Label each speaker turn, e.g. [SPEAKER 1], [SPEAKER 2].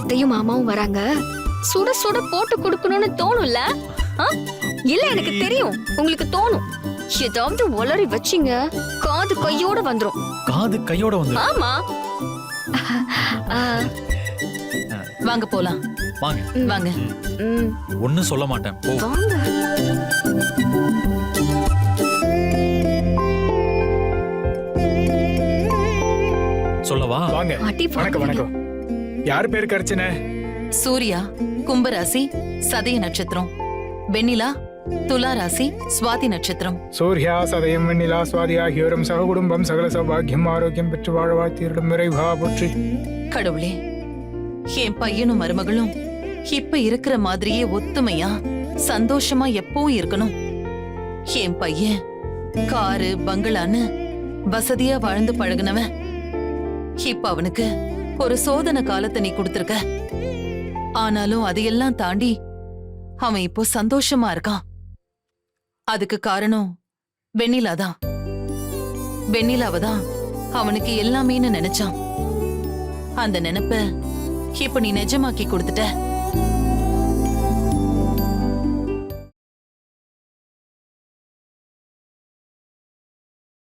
[SPEAKER 1] அத்தையும் மாமாவும் வராங்க, சுட சுட போட்டு கொடுக்கணும்னு தோணும்ல? இல்ல, எனக்கு தெரியும் உங்களுக்கு தோணும். ஏதாவது உளறி வச்சிங்க, காது கையோட வந்துரும்.
[SPEAKER 2] காது கையோட வந்துரும்?
[SPEAKER 1] ஆமா.
[SPEAKER 3] வாங்க போலாம்.
[SPEAKER 2] வாங்க
[SPEAKER 3] வாங்க.
[SPEAKER 2] ஒண்ணும் சொல்ல மாட்டேன், போ.
[SPEAKER 1] வாங்க.
[SPEAKER 2] சொல்லவா?
[SPEAKER 4] வாங்க. வணக்கம் வணக்கம். யார் பேருக்கு அர்ச்சனை?
[SPEAKER 3] சூர்யா கும்பராசி சதய நட்சத்திரம், வெண்ணிலா துலா ராசி சுவாதி நட்சத்திரம்.
[SPEAKER 4] சூர்யா சதயம் வெண்ணிலா சுவாதியா ஹியோரம் சக குடும்பம் சகல சௌபாகியம் ஆரோக்கியம் பெற்று வாழ வாழ்த்தியிடம் விரைவா போற்றி.
[SPEAKER 3] கடவுளே, என் பையனும் மருமகளும் இப்ப இருக்கிற மாதிரியே ஒத்துமையா சந்தோஷமா எப்பவும் இருக்கணும். என் பையன் காரு பங்களான்னு வசதியா வாழ்ந்து பழகுனவன், இப்ப அவனுக்கு ஒரு சோதனை காலத்தை நீ கொடுத்திருக்க. ஆனாலும் அதையெல்லாம் தாண்டி அவன் இப்போ சந்தோஷமா இருக்கான். அதுக்கு காரணம் வெண்ணிலாதான். வெண்ணிலாவதான் அவனுக்கு எல்லாமேன்னு நினைச்சான். அந்த நினைப்ப இப்ப நீ நிஜமாக்கி கொடுத்துட்ட.